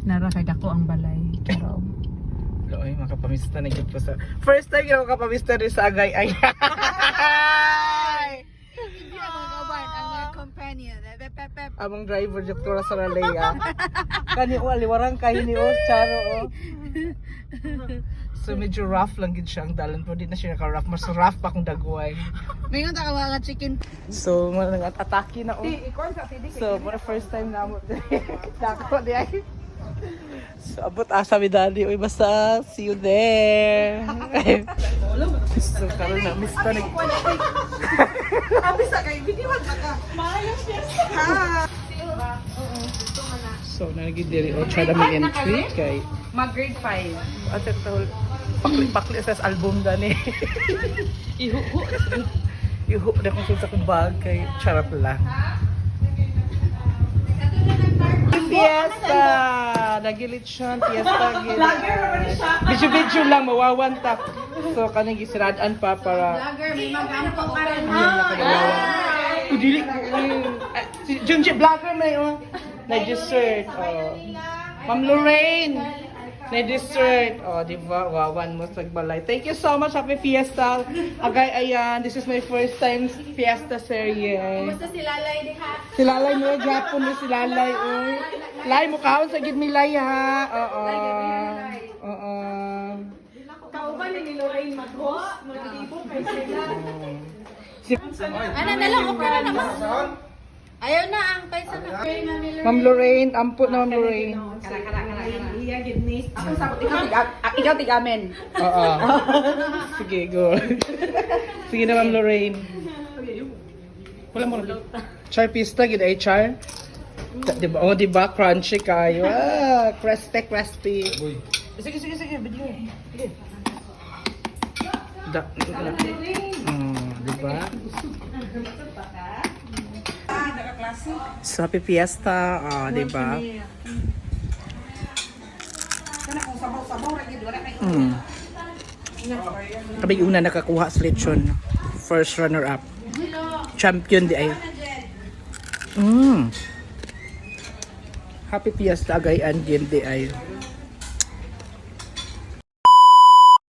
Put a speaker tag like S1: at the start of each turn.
S1: nara kay dako ang balay. Pero
S2: Loy, makapamista na gid ko sa. First time ako kapamista rin sa Agay ay.
S3: Hindi ang mga kaban, ang mga companion. Pep.
S2: Among driver Dr. Saralea. Kani o aliwarang kay ni o charo o. So medyo rough lang gid siya ang dalan, pero di na siya naka-rough. Mas rough pa kung dagway.
S3: Mayroon ta mga chicken.
S2: So mga atake na o. So for the first time na mo. Dako di ay. So abot asa mi dali, uy basta see you there. So karon na miss pa nag.
S3: Sabi sa kay video ka. Maayos yes.
S2: So nagid diri o try na may entry kay
S1: mag grade 5.
S2: ate tol pakli sa album dani. Ihu na kung sa kong bag kay charap lang. Fiesta! Nagilit siya, fiesta gid. Video lang mawawanta. So kanang gisirad-an pa para
S3: Vlogger, may magampo ka rin.
S2: Dili si Junji vlogger na yun. Na dessert. Ma'am Lorraine. Na dessert. Di ba? Wawan mo sa balay. Thank you so much. Happy Fiesta. Agay ayan. This is my first time Fiesta series.
S3: Basta si Lalay di ha.
S2: Si Lalay mo, Japon mo si Lalay. Lay mo kaon sa gid milay ha. Oo.
S3: Kauban ni Lorraine mag-host. Mag-ibon kay sila. Ano na lang, okay na naman. Ayaw na ang paisa na.
S2: Ma'am Lorraine, amput na Ma'am Lorraine.
S3: Iya gidnis. Ako sabot ikaw tigamen.
S2: Oo. Sige, go. Sige na Ma'am Lorraine. Wala mo. Char pista gid ay char. Diba? Oh, diba? Crunchy kayo. Crispy. Sige. Video. Diba? So, happy fiesta. Diba? Kami una nakakuha sa lechon. First runner-up. Champion di ay. Happy fiesta agayan din di ay.